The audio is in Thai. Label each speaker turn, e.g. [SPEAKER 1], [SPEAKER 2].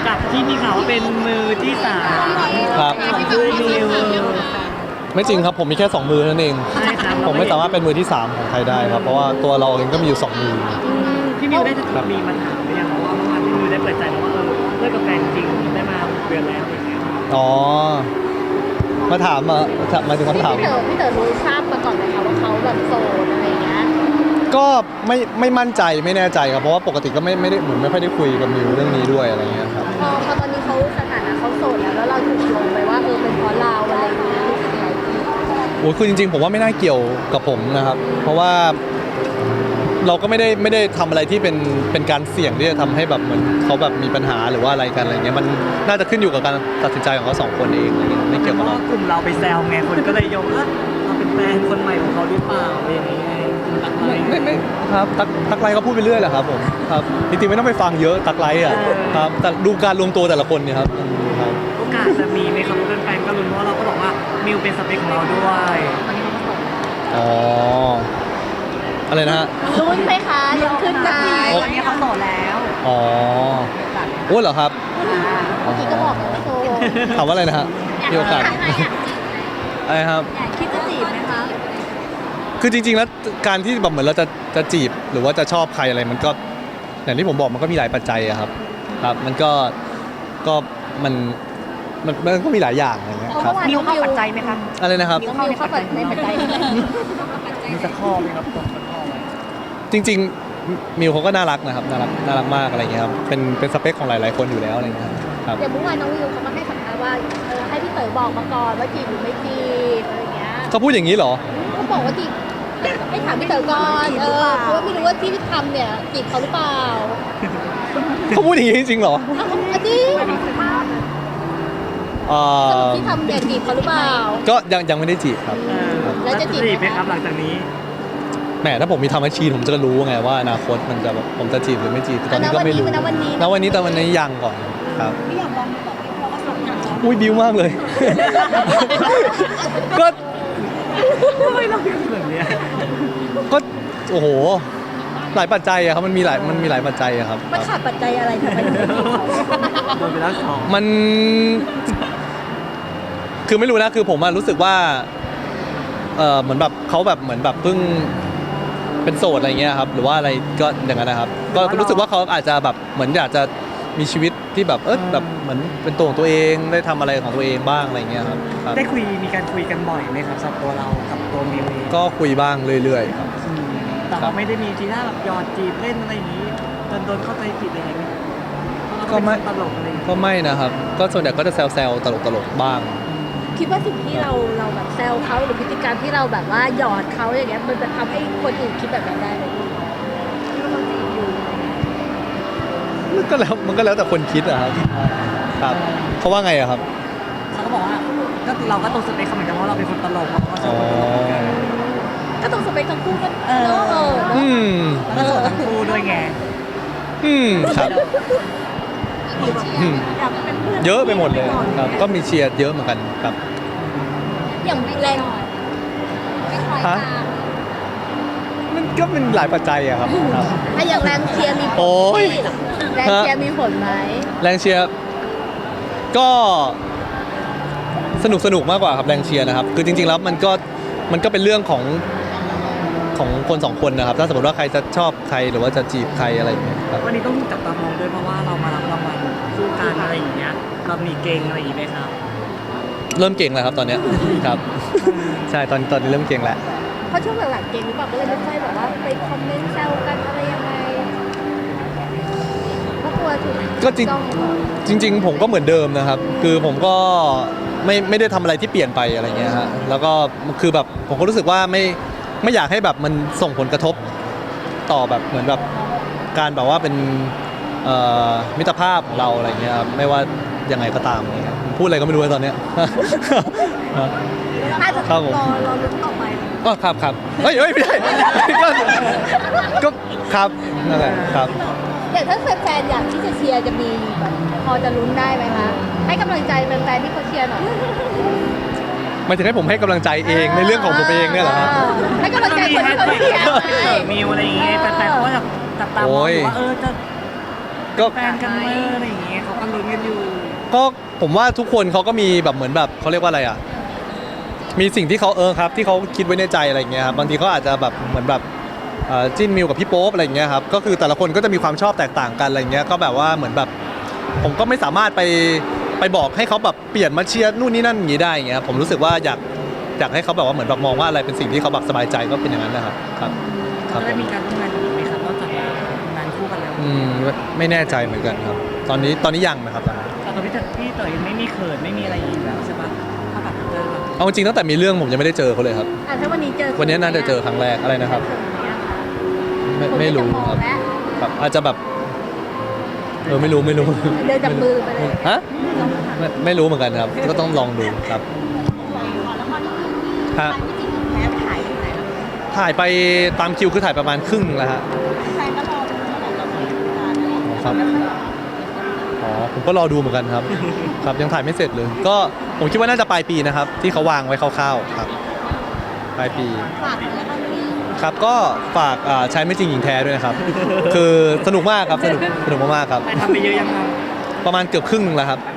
[SPEAKER 1] กับที่มีข่าวว่าเป็นมือที่สาม
[SPEAKER 2] ครับ
[SPEAKER 1] ของคู่มิว
[SPEAKER 2] ไม่จริงครับผมมีแค่2มือนั่นเอง
[SPEAKER 1] ใช่ครับ
[SPEAKER 2] ผมไม่สามารถเป็นมือที่3ของใครได้ครับเพราะว่าตัวเราเองก็มีอยู่2มือ
[SPEAKER 1] พี่มิวได้มีมาถามหรือยังว่าเมื่อวานพี่มิวได้เปิดใจแล้วว่าเลิกกับแฟนจริงได้มาเดือนแล้วอย่างเงี้ย
[SPEAKER 2] อ๋อมาถามมาถึงคำถาม
[SPEAKER 3] พี่เต๋อรู้ทราบมาก่อนไหมคะว่าเขาแบบโสดอะไรอย่างเงี้ย
[SPEAKER 2] ก็ไม่มั่นใจไม่แน่ใจครับเพราะว่าปกติก็ไม่ได้เหมือนไม่ค่อยได้คุยกับมิวเรื่องนี้ด้วยอะไรเงี้ยครับ
[SPEAKER 3] พอตอนนี้เขาสถานะเขาโสดแล้วเราถูกโยงไปว่าเป็นเพราะเราอะไรอย่างเงี้ยรู้สึกไง
[SPEAKER 2] โอ้ยคือจริงๆผมว่าไม่น่าเกี่ยวกับผมนะครับ เพราะว่าเราก็ไม่ได้ทำอะไรที่เป็นการเสี่ยงที่จะทำให้แบบเหมือนเขาแบบมีปัญหาหรือว่าอะไรกันอะไรเงี้ยมันน่าจะขึ้นอยู่กับการตัดสินใจของเขา2 คนเองอะไรเงี้ยไม่เกี่ยวกับ
[SPEAKER 1] เพ
[SPEAKER 2] เรา
[SPEAKER 1] ราะว่ากลุ่มเราไปแซวไงคนก็เลยโยงเราเป็นแฟนคนใหม่ของเขาหรือเปล่าอะไรอย่างเงี้ยกลุ่มตักไลน์
[SPEAKER 2] ไม่ครับตักไลก็พูดไปเรื่อยแหละครับผมครับจริงๆไม่ต้องไปฟังเยอะตักไลอ่ะครับแต่ดูการรวมตัวแต่ละคนเนี่ยครับครับ
[SPEAKER 1] โอกาสจะมีไหมครับเป็นแฟนก็ลุ้นเพราะเราก็บอกว่ามิวเป็นสเปคของเราด้วย
[SPEAKER 2] อ๋ออะไรนะฮะ
[SPEAKER 3] ลุ้นไหมคะลุ้นขึ้นไหม
[SPEAKER 1] ตอนนี้เขาโสดแล้ว
[SPEAKER 2] อ๋อโอ้เหรอครับ
[SPEAKER 3] เมื่อกี้ก็บอกแล้วว่าโสด
[SPEAKER 2] ถามว่าอะไรนะฮะมีโอกาสอะไรครับ
[SPEAKER 3] คิดจะจีบไหมคะ
[SPEAKER 2] คือจริงๆแล้วการที่แบบเหมือนเราจะจีบหรือว่าจะชอบใครอะไรมันก็อย่างที่ผมบอกมันก็มีหลายปัจจัยอะครับครับมันก็มันก็มีหลายอย่างอะไรเงี้ยครับ
[SPEAKER 3] มิวเข้าปัจจัยไหมคะ
[SPEAKER 2] อะไรนะครับ
[SPEAKER 3] มิวเข้าในปัจจัยไหม
[SPEAKER 1] มีสักข้อไหมครับตรงสักข้อไหม
[SPEAKER 2] จริงๆมิวเขาก็น่ารักนะครับน่ารักมากอะไรเงี้ยครับเป็นสเปคของหลายๆคนอยู่แล้วอะไรเงี้ยครับ
[SPEAKER 3] อย่างเมื่อวานน้องมิวเขามาให้สัมภาษณ์ว่าให้พี่เต๋อบอกมาก่อนว่าจีบหรือไม่จีบอะไรอย่างเงี้ย
[SPEAKER 2] เขาพูดอย่างนี้เหรอ
[SPEAKER 3] เขาบอกว่าจีบให้ถามพี่เต๋อก่อนเพราะว่าไม่รู้ว่าที่ทำเนี่ยจีบเขาหรือเปล่า
[SPEAKER 2] เขาพูดอย่างนี้จริงๆเหรอ
[SPEAKER 3] อ้าวจริงสรุปที่ทำเนี่ยจีบเขาหรือเปล่า
[SPEAKER 2] ก็ยังไม่ได้จีบครับ
[SPEAKER 3] แล้วจะจีบไหม
[SPEAKER 1] ไหมครับหลังจากนี้
[SPEAKER 2] แหมถ้าผมมีทำอาชีพผมจะรู้ไงว่าอนาคตมันจะแบบผมจะจีบหรือไม่จีบแต่ตอนนี้ก็ไม่รู้
[SPEAKER 3] ณวันนี้
[SPEAKER 2] ณวันนี้แต่วันนี้ยังก่อนครับ
[SPEAKER 3] ไม่อยากลองบอกพี่เพราะว่าสำคัญ
[SPEAKER 2] อุ้ยบิ้วมากเลย ก็
[SPEAKER 1] ทำไมเราเป็นแบบเนี้ย
[SPEAKER 2] ก็โอ้โหหลายปัจจัยอะครับมันมีหลายปัจจัยอะครับ
[SPEAKER 3] มันขาดปัจจัยอะไรทำไมถึงไม่จีบเขา
[SPEAKER 1] โดนไปแล้วสอง
[SPEAKER 2] มันคือไม่รู้นะคือผมอะรู้สึกว่าเหมือนแบบเขาแบบเหมือนแบบเพิ่งเป็นโสดอะไรเงี้ยครับหรือว่าอะไรก็อย่างนั้นนะครับก็รู้สึกว่าเขาอาจจะแบบเหมือนอยากจะมีชีวิตที่แบบแบบเหมือนเป็นตัวของตัวเองได้ทำอะไรของตัวเองบ้างอะไรเงี้ยครับครับ
[SPEAKER 1] ได้มีการคุยกันบ่อยไหมครับสำหรับตัวเรากับตัวมิวเอง
[SPEAKER 2] ก็คุยบ้างเรื่อยๆครับ
[SPEAKER 1] แต่ว่าไม่ได้มีทีท่าแบบหยอดจีบเล่นอะไรอย่างนี้จนโดนเข้าใจผิดอะไรอย่างนี้ตลกอะไรอย่างนี้
[SPEAKER 2] ก็ไม่นะครับก็ส่วนใหญ่ก็จะแซวๆตลกๆบ้าง
[SPEAKER 3] คิดว่าสิ่งที่เราแบบแซวเขาหรือพฤติกรรมที่เราแบบว่าหยอดเขาอย่างเงี้ยมันจะทำให้คนอื่นคิดแบบนั้นได้ไหมที่ว่าเราจีบอยู่อะไรเงี้ย
[SPEAKER 2] มันก็แล้วแต่คนคิดอะครับครับเขาว่าไงอะครับ
[SPEAKER 1] เขาก็บอกว่าก็เราก็ตรงสเปคเขาเหมือนกันเพราะเราเป็นคนตลกเราก็ช
[SPEAKER 2] อ๋
[SPEAKER 1] อ
[SPEAKER 2] อบ
[SPEAKER 1] คนตลกกัน
[SPEAKER 3] ก็ต้องสเปคทั้งคู่กันเนอะ
[SPEAKER 2] อืม
[SPEAKER 1] แล้วก็โสดทั้งคู่ด้วยไง
[SPEAKER 2] ครับอืม
[SPEAKER 3] อยากเป็นเพื่อน
[SPEAKER 2] เยอะไปหมดเลยครับก็มีเชียร์เยอะเหมือนกันครับ
[SPEAKER 3] อย่างแรง
[SPEAKER 2] ฮะมันก็เป็นหลายปัจจัยอะครับครับ
[SPEAKER 3] ถ้าอย่างแรงเชียร์มีผล
[SPEAKER 2] โอ้ย
[SPEAKER 3] แรงเชียร์มีผลไหม
[SPEAKER 2] แรงเชียร์ก็สนุกมากกว่าครับแรงเชียร์นะครับคือจริงๆแล้วมันก็เป็นเรื่องของคน2 คนนะครับถ้าสมมติว่าใครจะชอบใครหรือว่าจะจีบใครอะไรอย่างเงี้ยครับ
[SPEAKER 1] วันนี้ต้องจับตามองด้วยเพราะว่าเรามารับรางวัลคู่กันอะไรอย่างเงี้ยเรามีเกงอะไรอย่างงี้ไหมครับ
[SPEAKER 2] เริ่มเก่งแล้วครับตอนเนี้ยครับใช่ตอนนี้เริ่มเก่งแล้ว
[SPEAKER 3] เพราะช่วงหลังๆเก่งหรือเปล่าก็เลยไม่ค่อยแบบว่าไปคอมเมนต์แซวกันอะไรยังไงเพราะกลัวถูก
[SPEAKER 2] ก็จริง
[SPEAKER 3] จ้อง
[SPEAKER 2] จริงๆผมก็เหมือนเดิมนะครับ คือผมก็ไม่ได้ทำอะไรที่เปลี่ยนไปอะไรเงี้ยฮะแล้วก็คือแบบผมก็รู้สึกว่าไม่อยากให้แบบมันส่งผลกระทบต่อแบบเหมือนแบบการแบบว่าเป็นมิตรภาพของเราอะไรเงี้ยครับไม่ว่ายังไงก็ตามอะไรเงี้ยพูดอะไรก็ไม่รู้ตอนเนี้ย
[SPEAKER 3] น่าจะ
[SPEAKER 2] ครับผม
[SPEAKER 3] รอลุ้นต่อไป
[SPEAKER 2] ก็ครับเฮ้ยไม่ได้ ก็ครับนั่นแหละครับ
[SPEAKER 3] อย่างถ้าแฟนๆอยากที่จะเชียร์จะมีแบบพอจะลุ้นได้ไหมคะให้กำลังใจแฟนๆที่เขาเชียร์หน่อย
[SPEAKER 2] หมายถึงให้ผมให้กำลังใจเองในเรื่องของผมเองเนี่ยเหรอฮะ
[SPEAKER 3] ให้กำลังใจคนที่เขาเชียร์ไง
[SPEAKER 1] มิวอะไรอย่างเงี้ยแฟนๆเขาก็จับตามองอยู่ว่าจะ
[SPEAKER 2] ก็
[SPEAKER 1] แฟนกันเมื่ออะไรอย่างเงี้ยเขาก็ลุ้นกัน
[SPEAKER 2] ก็ผมว่าทุกคนเขาก็มีแบบเหมือนแบบเขาเรียกว่าอะไรอ่ะมีสิ่งที่เขาครับที่เขาคิดไว้ในใจอะไรอย่างเงี้ยครับบางทีเขาอาจจะแบบเหมือนแบบจิ้นมิวกับพี่โป๊ปอะไรอย่างเงี้ยครับก็คือแต่ละคนก็จะมีความชอบแตกต่างกันอะไรอย่างเงี้ยก็แบบว่าเหมือนแบบผมก็ไม่สามารถไปบอกให้เขาแบบเปลี่ยนมาเชียร์นู่นนี่นั่นอย่างงี้ได้อย่างเงี้ยผมรู้สึกว่าอยากให้เขาแบบว่าเหมือนแบบมองว่าอะไรเป็นสิ่งที่เขาแบบสบายใจก็เป็นอย่างนั้นนะครับครับครับ
[SPEAKER 1] จะได้มีการร่วมงานกันอีกไหมครับนอกจากงานคู่กันแล้ว
[SPEAKER 2] ไม่แน่ใจเหมือนกันครับ ตอนนี้ยังนะครับตอนนี้
[SPEAKER 1] แต่ตัวพี่เต๋อยังไม่มีเขินไม่มีอะไรอยู่แล้วใช่ปะถ้าแบบเจอแบบ
[SPEAKER 2] เอาจริงตั้งแต่มีเรื่องผมยังไม่ได้เจอเขาเลยครับ
[SPEAKER 3] ถ้าวันนี้เจอ
[SPEAKER 2] วันนี้น่าจะเจอครั้งแรกอะไรนะครับ ไม่รู้ครับแบบอาจจะแบบไม่รู้
[SPEAKER 3] เดินจับมือไปเลย
[SPEAKER 2] ฮะไม่รู้เหมือนกันครับ ก็ต้องลองดูครับฮะ
[SPEAKER 3] แม่ถ่ายที่ไหน
[SPEAKER 2] ถ่ายไปตามคิวคือถ่ายประมาณครึ่งแล้วฮะ
[SPEAKER 3] ใครก็รอดูว่าเราจะมีการอะไร
[SPEAKER 2] ครับผมก็รอดูเหมือนกันครับ ครับยังถ่ายไม่เสร็จเลย ก็ผมคิดว่าน่าจะปลายปีนะครับ ที่เขาวางไว้คร่าวๆครับปลายปี
[SPEAKER 3] ฝากแล้วก็มี
[SPEAKER 2] ครับก็ฝากใช้ไม่จริงหญิงแท้ด้วยนะครับ คือสนุกมากครับสนุกมากๆครับ
[SPEAKER 1] ไปทำไปเยอะยังครับ
[SPEAKER 2] ประมาณเกือบครึ่งแล้วครับ
[SPEAKER 1] อ